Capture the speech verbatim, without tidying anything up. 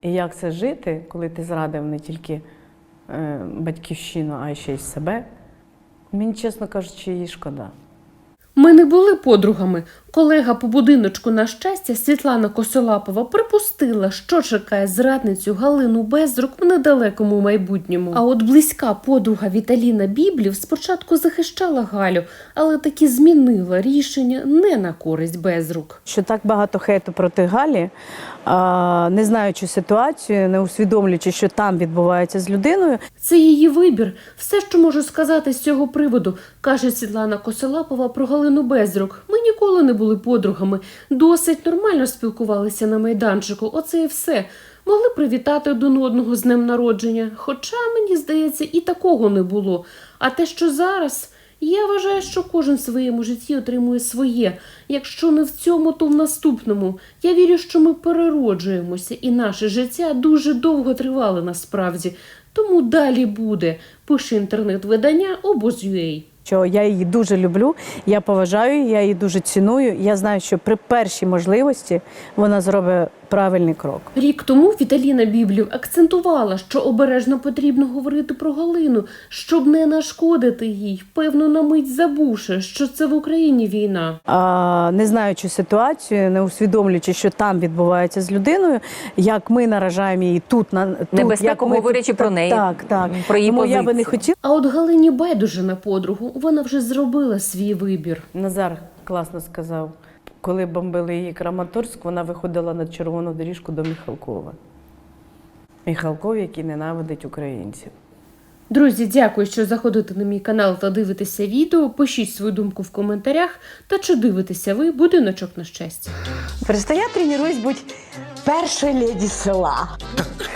І як це жити, коли ти зрадив не тільки е, батьківщину, а й ще й себе? Мені, чесно кажучи, її шкода. Ми не були подругами. Колега по будиночку «На щастя» Світлана Косолапова припустила, що чекає зрадницю Галину Безрук в недалекому майбутньому. А от близька подруга Віталіна Біблів спочатку захищала Галю, але таки змінила рішення не на користь Безрук. Що так багато хейту проти Галі, а, не знаючи ситуацію, не усвідомлюючи, що там відбувається з людиною. Це її вибір. Все, що можу сказати з цього приводу, каже Світлана Косолапова про Галину Безрук. Ми ніколи не були подругами. Досить нормально спілкувалися на майданчику. Оце і все. Могли привітати один одного з днем народження. Хоча, мені здається, і такого не було. А те, що зараз... Я вважаю, що кожен в своєму житті отримує своє. Якщо не в цьому, то в наступному. Я вірю, що ми перероджуємося, і наше життя дуже довго тривало насправді. Тому далі буде. Пише інтернет-видання обоз.ua. Що я її дуже люблю, я поважаю її, я її дуже ціную. Я знаю, що при першій можливості вона зробить правильний крок. Рік тому Віталіна Біблів акцентувала, що обережно потрібно говорити про Галину, щоб не нашкодити їй, певно, на мить забувши, що це в Україні війна. А, не знаючи ситуацію, не усвідомлюючи, що там відбувається з людиною, як ми наражаємо її тут, на тут, Небезпеку, як ми говорячи тут, про неї, так, так. про її Тому позицію. я би не хотіла. А от Галині байдуже на подругу, вона вже зробила свій вибір. Назар класно сказав, коли бомбили її Краматорськ, вона виходила на червону доріжку до Міхалкова. Міхалков, який ненавидить українців. Друзі, дякую, що заходите на мій канал та дивитеся відео. Пишіть свою думку в коментарях. Та чи дивитеся ви «Будиночок на щастя». Просто я тренируюсь быть першою леді села.